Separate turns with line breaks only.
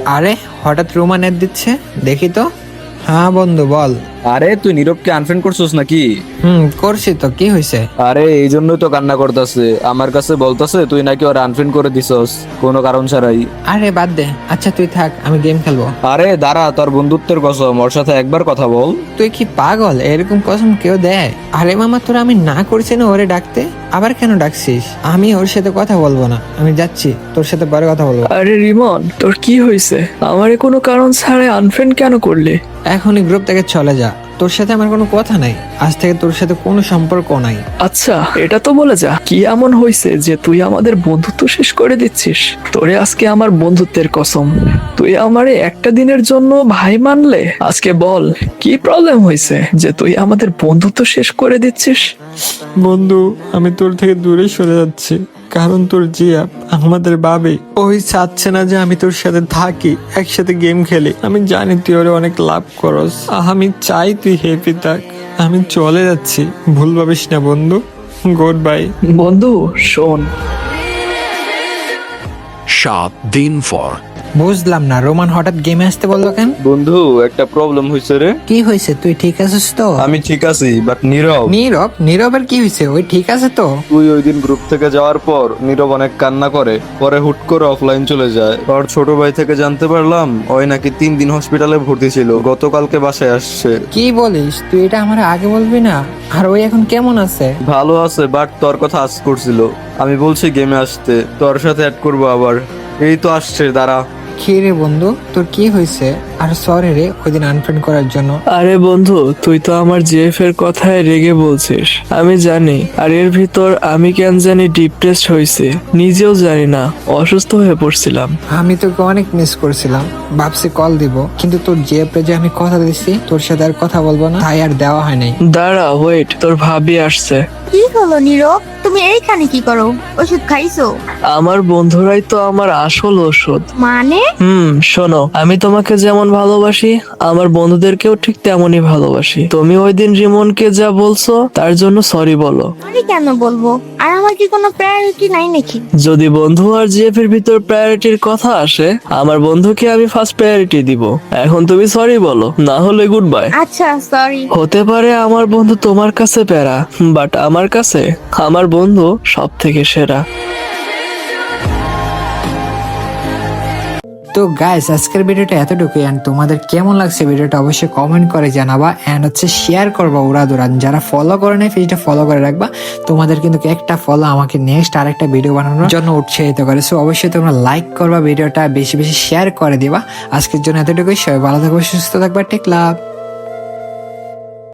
আরে হঠাৎ Roman add দিচ্ছে, দেখি তো। হ্যাঁ বন্ধু বল।
আরে তুই নীরবকে আনফ্রেন্ড করছিস নাকি?
করছি তো, কি হয়েছে?
আরে এই জন্যই তো কান্না করতেছে, আমার কাছে বলতেছে তুই নাকি ওর আনফ্রেন্ড করে দিছস কোনো কারণ ছাড়াই।
আরে বাদ দে, আচ্ছা তুই থাক, আমি গেম খেলবো।
আরে দাঁড়া, তোর বন্ধুত্বের কসম, ওর সাথে একবার কথা বল।
তুই কি পাগল? এরকম কসম কেউ দেয়? আরে মামা, তোরা আমি না করছি না ওরে ডাকতে, আবার কেন ডাকছিস? আমি ওর সাথে কথা বলবো না, আমি যাচ্ছি, তোর সাথে পরে কথা বলবো।
আরে রিমন, তোর কি হয়েছে? আমারে কোনো কারণ ছাড়াই আনফ্রেন্ড কেন করলি?
এখনই গ্রুপ থেকে চলে যা, তোর সাথে আমার কোনো কথা নাই, আজ থেকে তোর সাথে কোনো সম্পর্ক নাই।
আচ্ছা এটা তো বলে যা, কি এমন হয়েছে যে তুই আমাদের বন্ধুত্ব শেষ করে দিচ্ছিস? তোরে আজকে আমার বন্ধুত্বের কসম, তুই আমারে একটা দিনের জন্য ভাই মানলে? আজকে বল কি প্রবলেম হয়েছে যে তুই আমাদের বন্ধুত্ব শেষ করে দিচ্ছিস?
বন্ধু, আমি তোর থেকে দূরে সরে যাচ্ছি, কারণ তোর জিয়া আমাদের ভাবে ওই চাচ্ছে না যে আমি তোর সাথে থাকি, একসাথে গেম খেলি। আমি জানি তুই ওরে অনেক লাভ করস, আমি চাই তুই হ্যাপি থাক। আমি চলে যাচ্ছি, ভুল ভাবিস না বন্ধু। Good bye.
বন্ধু শোন,
7 দিন পর।
বুঝলাম না, রোমান হঠাৎ গেমে আসতে বললো কেন?
বন্ধু একটা প্রবলেম হয়েছে রে।
কি হয়েছে? তুই ঠিক আছিস তো?
আমি ঠিক আছি, বাট নীরব।
নীরব? নীরবের কি হয়েছে? ওই ঠিক আছে তো?
তুই ওই দিন গ্রুপ থেকে যাওয়ার পর নীরব অনেক কান্না করে, পরে হুট করে অফলাইন চলে যায়। ওর ছোট ভাই থেকে জানতে পারলাম ওই নাকি 3 দিন হসপিটালে ভর্তি ছিল, গতকালকে বাসায় আসছে।
কি বলিস? তুই এটা আমার আগে বলবি না? আর ওই এখন কেমন আছে?
ভালো আছে, বাট তোর কথা আজ করছিল। আমি বলছি গেমে আসতে, তোর সাথে অ্যাড করবো আবার। এই তো আসছে, দাঁড়া।
কি রে বন্ধু, তোর কি হয়েছে? আর সরি রে ওই দিন আনফ্রেন্ড করার জন্য।
আরে বন্ধু তুই তো আমার জিএফ এর কথায় রেগে বলছিস, আমি জানি। আর এর ভিতর আমি কেন জানি ডিপ্রেসড হয়েছে, নিজেও জানি না, অসুস্থ হয়ে পড়ছিলাম।
আমি তোকে অনেক মিস করছিলাম, ভাবছি কল দিব, কিন্তু তোর জিএপে যে আমি কথা দিছি তোর সাথে আর কথা বলবো না, তাই আর দেওয়া হয় নাই।
দাঁড়া ওয়েট, তোর ভাবি আসছে।
কি হলো নীরব, তুমি এইখানে কি করো? ওষুধ খাইছো?
আমার বন্ধুরাই তো আমার আসল ওষুধ।
মানে?
শোনো, আমি তোমাকে যেমন ভালোবাসি আমার বন্ধুদেরকেও ঠিক তেমনই ভালোবাসি। তুমি ওই দিন রিমনকে যা বলছো তার জন্য সরি বলো।
আমি কেন বলবো? আর আমার কি কোনো প্রায়োরিটি নাই নাকি?
যদি বন্ধু আর জিএফ এর ভিতর প্রায়োরিটির কথা আসে, আমার বন্ধুকে আমি ফার্স্ট প্রায়োরিটি দিব। এখন তুমি সরি বলো, না হলে গুড বাই।
আচ্ছা সরি।
হতে পারে আমার বন্ধু তোমার কাছে প্যারা, বাট আমার কাছে আমার বন্ধু সব থেকে সেরা।
তো গাইস, আজকের ভিডিওটা এতটুকুই। এন্ড তোমাদের কেমন লাগছে ভিডিওটা অবশ্যই কমেন্ট করে জানাবা, এন্ড হচ্ছে শেয়ার করবা উড়াদুরান। যারা ফলো করে নাই পেজটা ফলো করে রাখবা, তোমাদের কিন্তু একটা ফলো আমাকে নেক্সট আরেকটা ভিডিও বানানোর জন্য উৎসাহিত করে। সো অবশ্যই তোমরা লাইক করবা, ভিডিওটা বেশি বেশি শেয়ার করে দিবা। আজকের জন্য এতটুকুই, সবাই ভালো থাকবে, সুস্থ থাকবা, টেক লাভ।